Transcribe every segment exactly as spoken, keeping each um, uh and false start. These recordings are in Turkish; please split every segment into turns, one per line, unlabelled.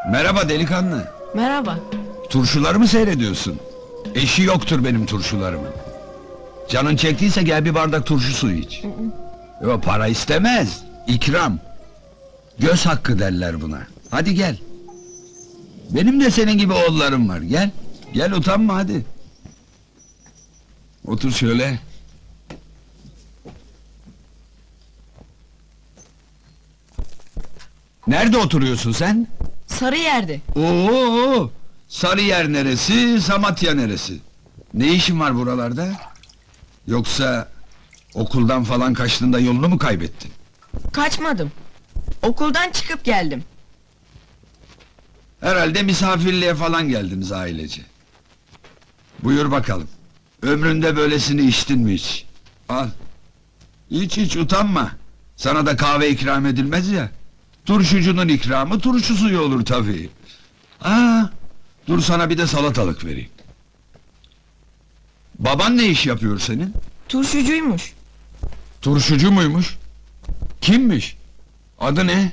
Merhaba delikanlı.
Merhaba.
Turşuları mı seyrediyorsun? Eşi yoktur benim turşularımın. Canın çektiyse gel bir bardak turşu suyu iç. Yo, para istemez. İkram. Göz hakkı derler buna. Hadi gel. Benim de senin gibi oğullarım var. Gel. Gel, utanma hadi. Otur şöyle. Nerede oturuyorsun sen?
Sarıyer'de.
Oo, Sarıyer neresi, Samatya neresi? Ne işin var buralarda? Yoksa okuldan falan kaçtığında yolunu mu kaybettin?
Kaçmadım. Okuldan çıkıp geldim.
Herhalde misafirliğe falan geldiniz ailece. Buyur bakalım. Ömründe böylesini içtin mi hiç? Al. İç iç, utanma. Sana da kahve ikram edilmez ya. Turşucunun ikramı turşu suyu olur tabii. Aa, dur sana bir de salatalık vereyim. Baban ne iş yapıyor senin?
Turşucuymuş.
Turşucu muymuş? Kimmiş? Adı ne?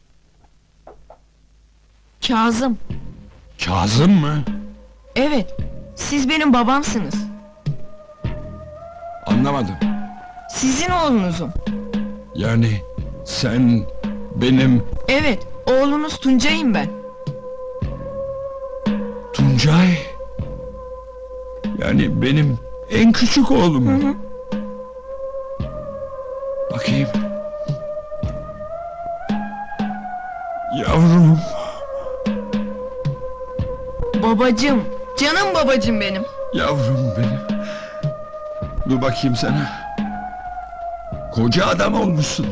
Kazım.
Kazım mı?
Evet. Siz benim babamsınız.
Anlamadım.
Sizin oğlunuzum.
Yani sen benim
Evet. Oğlunuz Tuncay'ım ben.
Tuncay. Yani benim en küçük oğlum.
Hı hı.
Bakayım. Yavrum.
Babacım. Canım babacım benim.
Yavrum benim. Dur bakayım sana. Koca adam olmuşsun.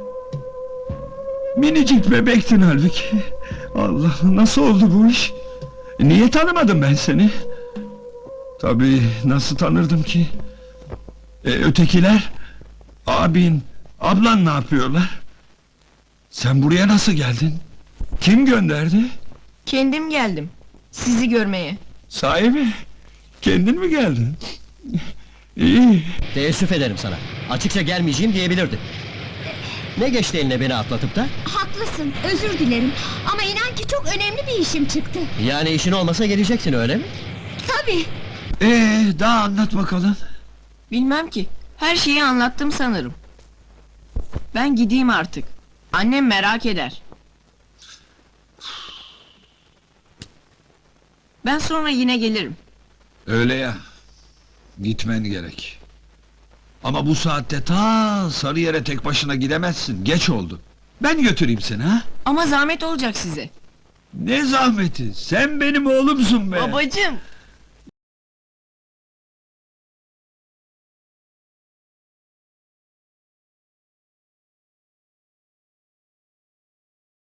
Minicik bebektin halbuki. Allah, nasıl oldu bu iş? Niye tanımadım ben seni? Tabii, nasıl tanırdım ki? E, ötekiler? Abin, ablan ne yapıyorlar? Sen buraya nasıl geldin? Kim gönderdi?
Kendim geldim. Sizi görmeye.
Sahi mi? Kendin mi geldin? İyi.
Teessüf ederim sana. Açıkça gelmeyeceğim diyebilirdi. Ne geçti eline beni atlatıp da?
Haklısın, özür dilerim. Ama inan ki çok önemli bir işim çıktı.
Yani işin olmasa geleceksin, öyle mi?
Tabii.
Ee, daha anlat bakalım.
Bilmem ki. Her şeyi anlattım sanırım. Ben gideyim artık. Annem merak eder. Ben sonra yine gelirim.
Öyle ya. Gitmen gerek. Ama bu saatte ta Sarıyer'e tek başına gidemezsin. Geç oldu. Ben götüreyim seni ha?
Ama zahmet olacak size.
Ne zahmeti? Sen benim oğlumsun be.
Babacım.